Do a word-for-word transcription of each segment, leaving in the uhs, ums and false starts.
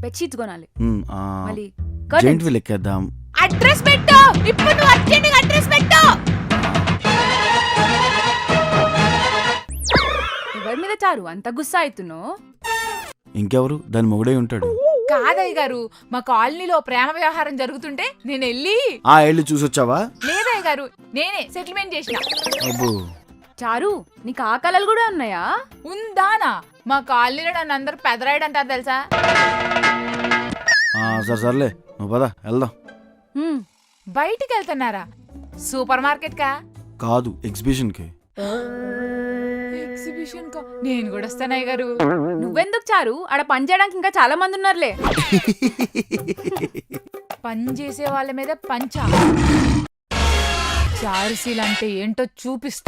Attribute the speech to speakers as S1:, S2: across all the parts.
S1: Bedsheets కొనాలి.
S2: మ్, ఆ,
S1: మళ్ళీ
S2: జెయింట్ వీల్ ఎక్కేద్దాం.
S1: అడ్రస్ పెట్టు. ఇప్పుడు నువ్వు అర్జెంట్ అడ్రస్ పెట్టు. ఎవరి మీద చారు అంత గుస్సా అవుతున్నావు?
S2: ఇంకెవరు దాని మొగుడే ఉంటాడు.
S1: కాదయ్య గారు, మా కాలనీలో ప్రేమ వ్యవహారం జరుగుతుంటే నేను వెళ్ళి
S2: ఆ ఏళ్ళు చూసొచ్చావా?
S1: లేదయ్య గారు, నేనే సెటిల్మెంట్ చేసిన.
S2: అబ్బో,
S1: చారు నీకు ఆ కళలు కూడా ఉన్నాయా? ఉందానా? మా కాలనీలో నన్ను అందరు పెదరాయుడు అంటారు తెలుసా?
S2: ఆ, సరే సర్లే నువ్వు పద వెళ్దాం.
S1: బయటికి వెళ్తున్నారా? సూపర్ మార్కెట్ కా?
S2: కాదు, ఎగ్జిబిషన్ కి.
S1: ఎగ్జిబిషన్ కా? నేను కూడా వస్తానయ్య గారు. నువ్వెందుకు చారు? ఆడ పని చేయడానికి ఇంకా చాలా మంది ఉన్నారులే. పని చేసే వాళ్ళ మీద పంచా. చారుసీలు అంటే ఏంటో చూపిస్తా.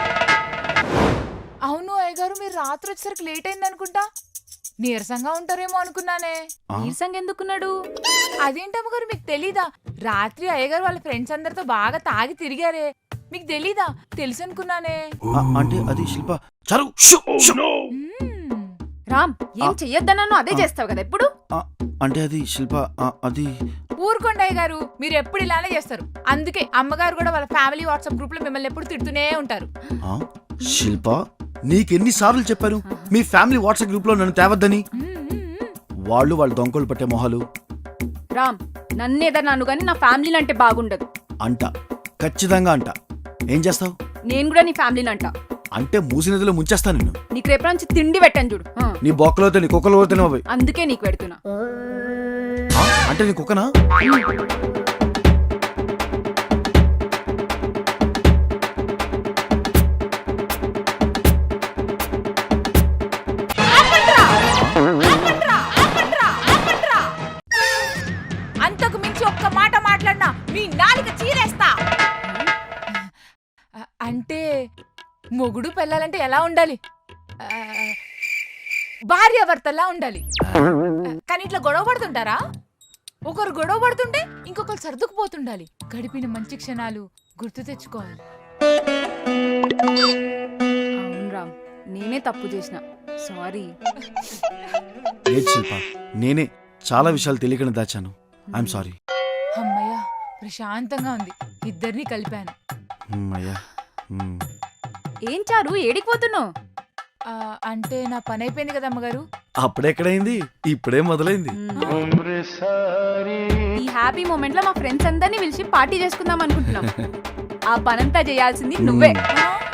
S1: అవును అయ్య గారు, మీరు రాత్రి వచ్చేసరికి లేట్ అయింది అనుకుంటా. నీరసంగా ఉంటారేమో అనుకున్నానే. నీరసంగా ఎందుకున్నాడు? అదేంటమ్మ గారు, మీకు తెలీదా? రాత్రి అయ్యగారు వాళ్ళ ఫ్రెండ్స్ అందరితో బాగా తాగి తిరిగారే. మీకు తెలీదా? తెలుసు అనుకున్నానే.
S2: ఆ, అంటే అది శిల్ప. చారు
S1: రామ్, ఏం చెయ్యొద్దన్నాను అదే చేస్తావు కదా ఎప్పుడు.
S2: అంటే అది శిల్ప, ఆ, అది
S1: ఊరుకోండి అయ్య గారు, మీరు ఎప్పుడు ఇలానే చేస్తారు. అందుకే అమ్మగారు కూడా వాళ్ళ ఫ్యామిలీ వాట్సాప్ గ్రూప్ లో మిమ్మల్ని ఎప్పుడు తిడుతూనే ఉంటారు.
S2: శిల్ప, నీకెన్ని సార్లు చెప్పారు మీ ఫ్యామిలీ వాట్సాప్ గ్రూప్ లో నన్ను తేవద్దని? వాళ్ళు వాళ్ళ దొంగలు పట్టే మొహాలు.
S1: రామ్, నన్నేదన్నా అను గాని నా ఫ్యామిలీని అంటే బాగుండదు.
S2: అంట, ఖచ్చితంగా అంట. ఏం చేస్తావు?
S1: నేను కూడా నీ ఫ్యామిలీని అంట.
S2: అంటే మూసి నదిలో ముంచేస్తా నిన్ను.
S1: నీకు రేపు నుంచి తిండి పెట్టాను చూడు.
S2: నీ బొక్కలో నీ కుక్కలో తినవు.
S1: అందుకే నీకు పెడుతున్నా.
S2: అంటే నీ కుక్కనా?
S1: అంతకు మించి ఒక్క మాట మాట్లాడినా మీ నాలుక చీరేస్తా. అంటే మొగుడు పెళ్ళాలంటే ఎలా ఉండాలి? భార్యాభర్తలా ఉండాలి. కానీ ఇట్లా గొడవ పడుతుంటారా? ఒకరు గొడవ పడుతుంటే ఇంకొకరు సర్దుకుపోతుండాలి. గడిపిన మంచి క్షణాలు గుర్తు తెచ్చుకోవాలి. అవును రామ్, నేనే తప్పు చేసిన. సారీ.
S2: లేదు శిల్ప, నేనే చాలా విషయాలు తెలియకుండా దాచాను. I'm sorry.
S1: అమ్మయ్యా, ప్రశాంతంగా ఉంది. ఇద్దరిని కలిపాను.
S2: అమ్మయ్యా.
S1: ఏం చారు ఏడికిపోతున్నావు? అంటే నా పని అయిపోయింది కదా అమ్మగారు.
S2: అప్పుడెక్కడైంది, ఇప్పుడే మొదలైంది.
S1: ఈ హ్యాపీ మూమెంట్ లో మా ఫ్రెండ్స్ అందరినీ పిలిచి పార్టీ చేసుకుందాం అనుకుంటున్నాం. ఆ పనంతా చేయాల్సింది నువ్వే.